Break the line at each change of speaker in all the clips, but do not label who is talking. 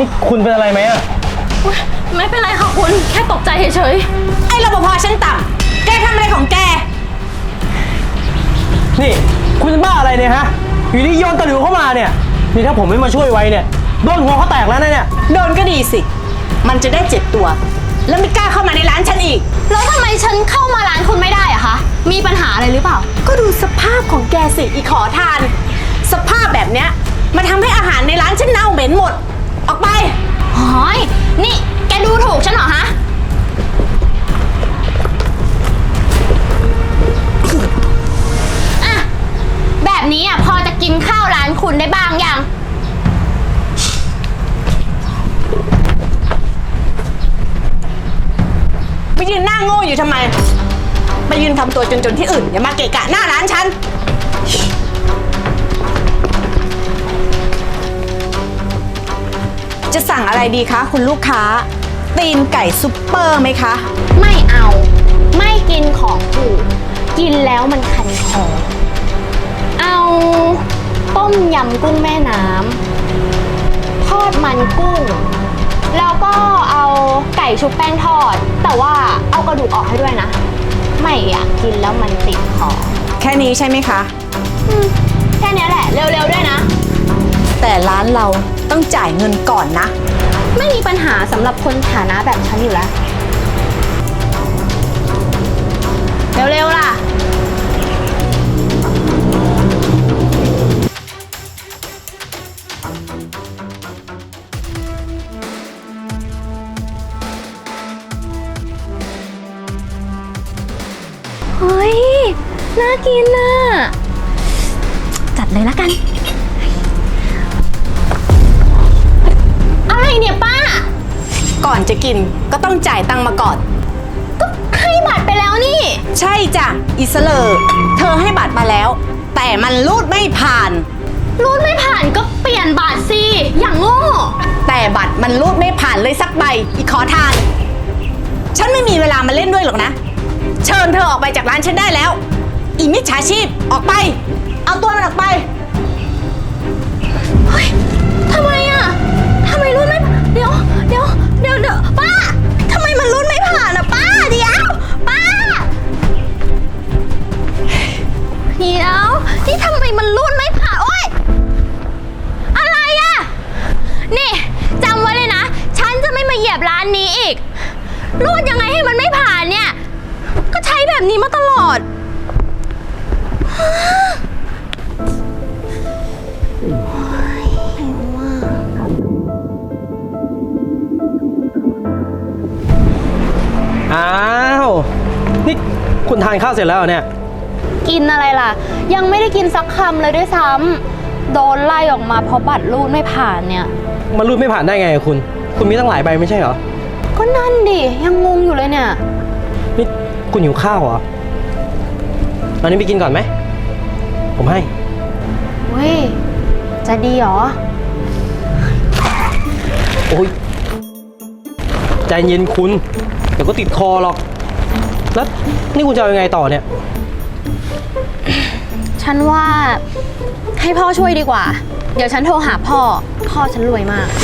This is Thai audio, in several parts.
นี่คุณเป็นอะไรไหมอะ
ไม่เป็นไรค่ะคุณแค่ตกใจเฉย
ไอ้รปภชั้นต่ำแกทำอะไรของแก
นี่คุณเป็นบ้าอะไรเนี่ยฮะอยู่ที่โยนตะหลิวเข้ามาเนี่ยนี่ถ้าผมไม่มาช่วยไว้เนี่ยโดนหัวเขาแตกแล้วนะเนี่ย
โดนก็ดีสิมันจะได้เจ็บตัวแล้วไม่กล้าเข้ามาในร้านฉันอีก
แล้วทำไมฉันเข้ามาร้านคุณไม่ได้อะคะมีปัญหาอะไรหรือเปล่า
ก็ดูสภาพของแกสิอีขอทานสภาพแบบเนี้ยมันทำให้อาหารในร้านฉันเน่าเหม็นหมดออกไป
หอยนี่แกดูถูกฉันเหรอฮะอะแบบนี้อะพอจะกินข้าวร้านคุณได้บ้างยัง
ไปยืนหน้าโง่อยู่ทำไมไปยืนทำตัวจนๆที่อื่นอย่ามาเกะกะหน้าร้านฉันจะสั่งอะไรดีคะคุณลูกค้าตีนไก่ซุปเปอร์ไหมคะ
ไม่เอาไม่กินของถูกกินแล้วมันคันคอเอาต้มยำกุ้งแม่น้ำทอดมันกุ้งแล้วก็เอาไก่ชุบแป้งทอดแต่ว่าเอากระดูกออกให้ด้วยนะไม่อยากกินแล้วมันติดคอ
แค่นี้ใช่ไหมคะ
แค่นี้แหละเร็วๆด้วยนะ
แต่ร้านเราต้องจ่ายเงินก่อนนะ
ไม่มีปัญหาสำหรับคนฐานะแบบฉันอยู่แล้วเร็วๆล่ะเฮ้ยน่ากินน่ะจัดเลยละกันอะไรเนี่ยป้า
ก่อนจะกินก็ต้องจ่ายตังค์มาก่อน
ก็ให้บัตรไปแล้วนี่
ใช่จ้ะอิสเลอร์เธอให้บัตรมาแล้วแต่มันรูดไม่ผ่าน
รูดไม่ผ่านก็เปลี่ยนบัตรสิอย่างโง่
แต่บัตรมันรูดไม่ผ่านเลยสักใบอีขอทานฉันไม่มีเวลามาเล่นด้วยหรอกนะเชิญเธอออกไปจากร้านฉันได้แล้วอีมิจฉาชีพออกไปเอาตัวมันออกไป
เฮ้ยทำไมอะทำไมรูดไม่เดี๋ยวป้าทำไมมันรูดไม่ผ่านอะป้าเดี๋ยวป้าเดี๋ยวนี่ทำไมมันรูดไม่ผ่านโอ๊ยอะไรอะนี่จำไว้เลยนะฉันจะไม่มาเหยียบร้านนี้อีกรูดยังไงให้มันไม่ผ่านเนี่ยก็ใช้แบบนี้มาตลอด
อ้าวนี่คุณทานข้าวเสร็จแล้วเนี่ย
กินอะไรล่ะยังไม่ได้กินสักคำเลยด้วยซ้ำโดนไล่ออกมาเพราะบัตรรูดไม่ผ่านเนี่ย
มันรูดไม่ผ่านได้ไงคุณมีตั้งหลายใบไม่ใช่เหรอ
ก็นั่นดิยังงงอยู่เลยเนี่ย
นี่คุณหิวข้าวเหรอตอนนี้ไปกินก่อนไหมผมให้
เว้ยจะดีเหรอ
โอ้ยใจเย็นคุณเดี๋ยวก็ติดคอหรอกแล้วนี่คุณจะเอายังไงต่อเนี่ย
ฉันว่าให้พ่อช่วยดีกว่าเดี๋ยวฉันโทรหาพ่อฉันรวยมาก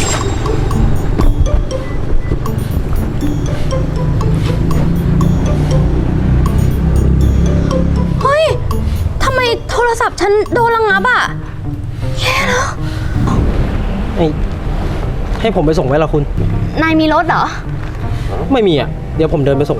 เฮ้ยทำไมโทรศัพท์ฉันโดนระงับอ่ะแย่แล้ว
ให้ผมไปส่งไว้ละคุณ
นายมีรถเหรอ
ไม่มีอ่ะเดี๋ยวผมเดินไปส่ง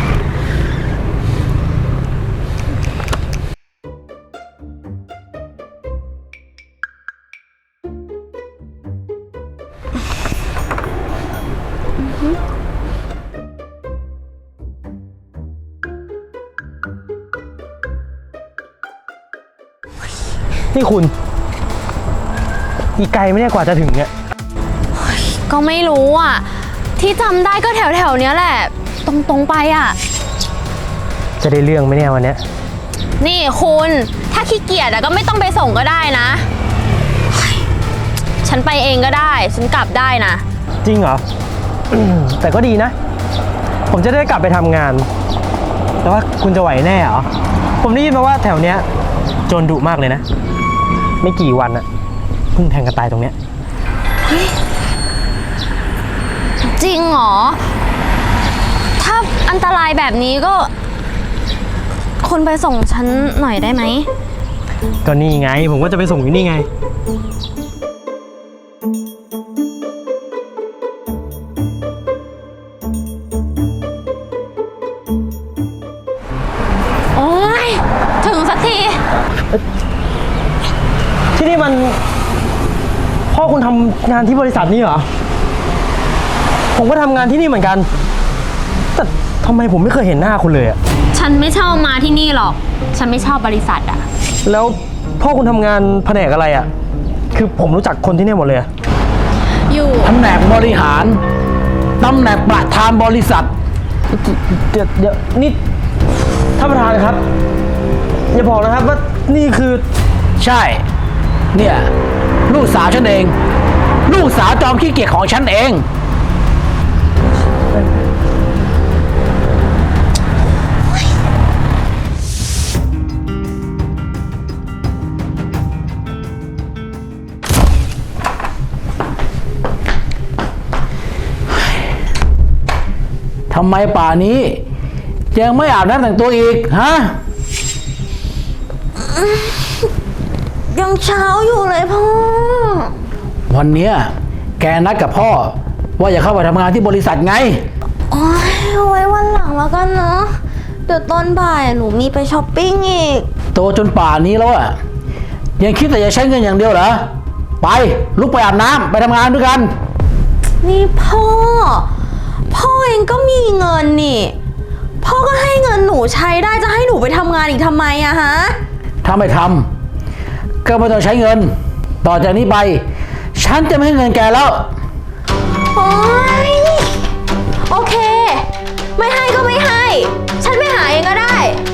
นี่คุณอีกไกลไหมเนี่ยกว่าจะถึงเนี่ย
ก็ไม่รู้อ่ะที่จำได้ก็แถวเนี้ยแหละตรงไปอ่ะ
จะได้เรื่องไหมเนี่ยวันเนี้ย
นี่คุณถ้าขี้เกียจก็ไม่ต้องไปส่งก็ได้นะฉันไปเองก็ได้ฉันกลับได้นะ
จริงเหรอ แต่ก็ดีนะผมจะได้กลับไปทำงานแต่ว่าคุณจะไหวแน่เหรอผมได้ยินมาว่าแถวเนี้ยโจรดุมากเลยนะไม่กี่วันอะเพิ่งแทงกันตายตรงเนี้ย
จริงเหรอ ถ้าอันตรายแบบนี้ก็ คุณไปส่งฉันหน่อยได้ไหม
ก็นี่ไง ผมก็จะไปส่งอยู่นี่ไง
โอ้ยถึงสักที
ที่นี่มันพ่อคุณทำงานที่บริษัทนี้เหรอ ผมก็ทำงานที่นี่เหมือนกัน แต่ทำไมผมไม่เคยเห็นหน้าคุณเลยอะ
ฉันไม่ชอบมาที่นี่หรอก ฉันไม่ชอบบริษัทอะ
แล้วพ่อคุณทำงานแผนกอะไรอะคือผมรู้จักคนที่นี่หมดเลยอะ
อยู่
ตำแหน่งบริหาร ตำแหน่งประธานบริษัท
เดี๋ยวนี่ท่านประธานครับ อย่าบอกนะครับว่านี่คือ
ใช่ เนี่ย ลูกสาวฉันเอง ลูกสาวจอมขี้เกียจของฉันเอง ทำไมป่านี้ ยังไม่อาบน้ำแต่งตัวอีก ฮะ
ยังเช้าอยู่เลยพ่อ
วันเนี้ยแกนัดกับพ่อ ว่าจะเข้าไปทำงานที่บริษัทไง
โอ้ยเอาไว้วันหลังแล้วกันเนาะ เดี๋ยวตอนบ่ายหนูมีไปช้อปปิ้งอีก
โตจนป่านนี้แล้วอะยังคิดแต่จะใช้เงินอย่างเดียวเหรอ ไปลุกไปอาบน้ำไปทำงานด้วยกัน
นี่พ่อ พ่อเองก็มีเงินนี่ พ่อก็ให้เงินหนูใช้ได้จะให้หนูไปทำงานอีกทำไมอะฮะ
ถ้าไม่ทำก็ไม่ต้องใช้เงิน ต่อจากนี้ไป ฉันจะไม่ให้เงินแกแล้ว
โอ๊ยโอเค ไม่ให้ก็ไม่ให้ ฉันไปหาเองก็ได้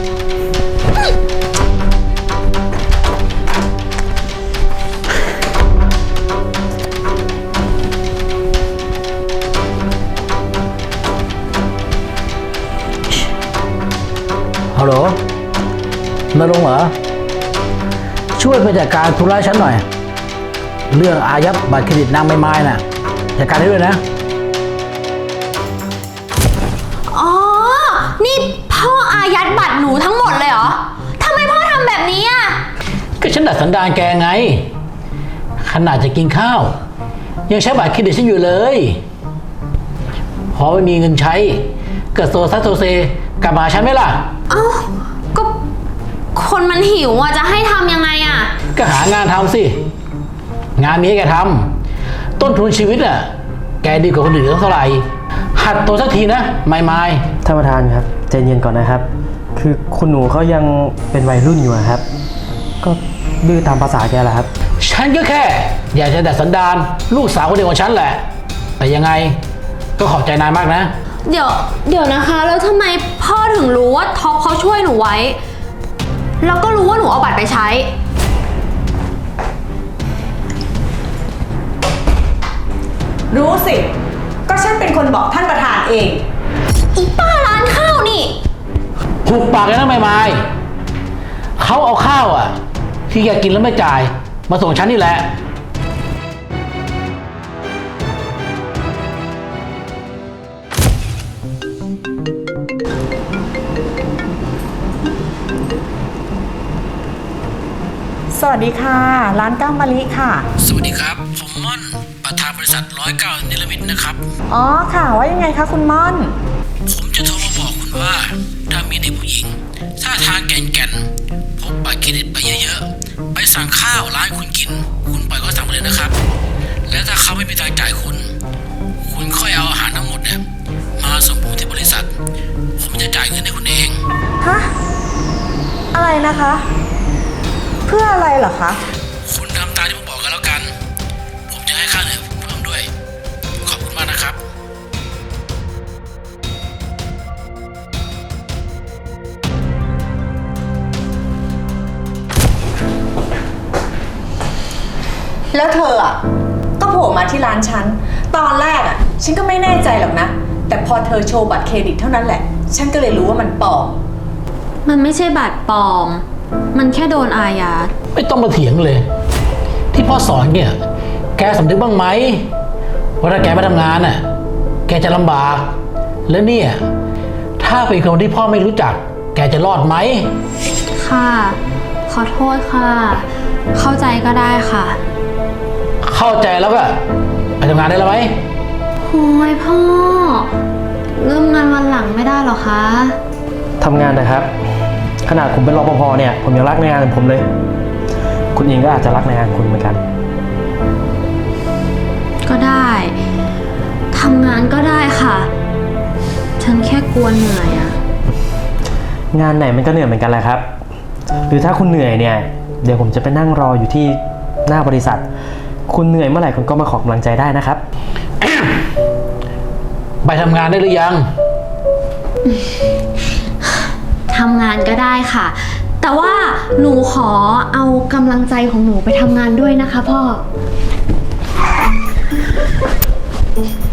ฮัลโหลนรงค์เหรอ ช่วยไปจัดการธุระฉันหน่อย เรื่องอายัดบัตรเครดิตนางไม้น่ะจัดการให้ด้วยนะ
อ๋อ นี่พ่ออายัดบัตรหนูทั้งหมดเลยเหรอ ทำไมพ่อทำแบบนี้อ่ะ
ก็ฉันดัดสันดานแกไง ขนาดจะกินข้าว ยังใช้บัตรเครดิตฉันอยู่เลย พอไม่มีเงินใช้เกิดโซซัสโซเซกลับมาหาฉันไหมล่ะ
เอ้า ก็คนมันหิวอ่ะ จะให้ทำยังไงอ่ะ
ก็หางานทำสิ งานมีให้แกทำต้นทุนชีวิตอ่ะ แกดีกว่าคนอื่นตั้งเท่าไหร่ หัดตัวสักทีนะไม่
ท่านประธานครับใจเย็นก่อนนะครับ คือคุณหนูเขายังเป็นวัยรุ่นอยู่อะครับ ก็ดื้อตามภาษาแกแหละครับ
ฉันก็แค่ อยากจะดัดสันดานลูกสาวคนเดียวของฉันแหละ แต่ยังไงก็ขอบใจนายมากนะ
เดี๋ยวนะคะ แล้วทำไมพ่อถึงรู้ว่าท็อปเขาช่วยหนูไว้ แล้วก็รู้ว่าหนูเอาบัตรไปใช้
รู้สิ ก็ฉันเป็นคนบอกท่านประธานเอง
อีป้าร้านข้าวนี่
หุบปากเลยนะไม่เขาเอาข้าวอ่ะ ที่แกกินแล้วไม่จ่าย มาส่งฉันนี่แหละ
สวัสดีค่ะ ร้านก้าวมะลิค่ะ
สวัสดีครับ ผมม่อน ประธานบริษัท109นิลมิตนะครับ
อ๋อค่ะ ว่ายังไงคะคุณม่อน
ผมจะโทรมาบอกคุณว่า ถ้ามีเด็กผู้หญิงท่าทางแก่นๆพกบัตรเครดิตไปเยอะๆ ไปสั่งข้าวร้านคุณกิน คุณปล่อยเขาสั่งไปเลยนะครับ และถ้าเขาไม่มีทางจ่ายคุณ คุณค่อยเอาอาหารทั้งหมดเนี่ยมาส่งผมที่บริษัท ผมจะจ่ายเงินให้คุณเอง
ฮะ อะไรนะคะ เพื่ออะไรเหรอคะ
คุณทำตามที่ผมบอกกันแล้วกัน ผมจะให้ค่าเหนื่อยเพิ่มด้วย ขอบคุณมากนะครับ
แล้วเธออ่ะก็โผล่มาที่ร้านฉัน ตอนแรกอ่ะ ฉันก็ไม่แน่ใจหรอกนะ แต่พอเธอโชว์บัตรเครดิตเท่านั้นแหละ ฉันก็เลยรู้ว่ามันปลอม
มันไม่ใช่บัตรปลอม มันแค่โดนอายัด
ไม่ต้องมาเถียงเลย ที่พ่อสอนเนี่ย แกสำนึกบ้างไหมว่าถ้าแกไม่ทำงานน่ะแกจะลำบาก แล้วเนี่ย ถ้าเป็นคนที่พ่อไม่รู้จัก แกจะรอดไหม
ค่ะ ขอโทษค่ะ เข้าใจก็ได้ค่ะ
เข้าใจแล้วก็ไปทำงานได้แล้วไหม
โอ้ยพ่อ เริ่มงานวันหลังไม่ได้หรอคะ
ทำงานนะครับ ขนาดผมเป็นรปภเนี่ย ผมยังรักในงานของผมเลย คุณเองก็อาจจะรักในงานคุณเหมือนกัน
ก็ได้ทำงานก็ได้ค่ะ ฉันแค่กลัวเหนื่อยอะ
งานไหนมันก็เหนื่อยเหมือนกันแหละครับ หรือถ้าคุณเหนื่อยเนี่ย เดี๋ยวผมจะไปนั่งรออยู่ที่หน้าบริษัท คุณเหนื่อยเมื่อไหร่คุณก็มาขอกำลังใจได้นะครับ
ไปทำงานได้หรือยัง
ทำงานก็ได้ค่ะ แต่ว่าหนูขอเอากำลังใจของหนูไปทำงานด้วยนะคะพ่อ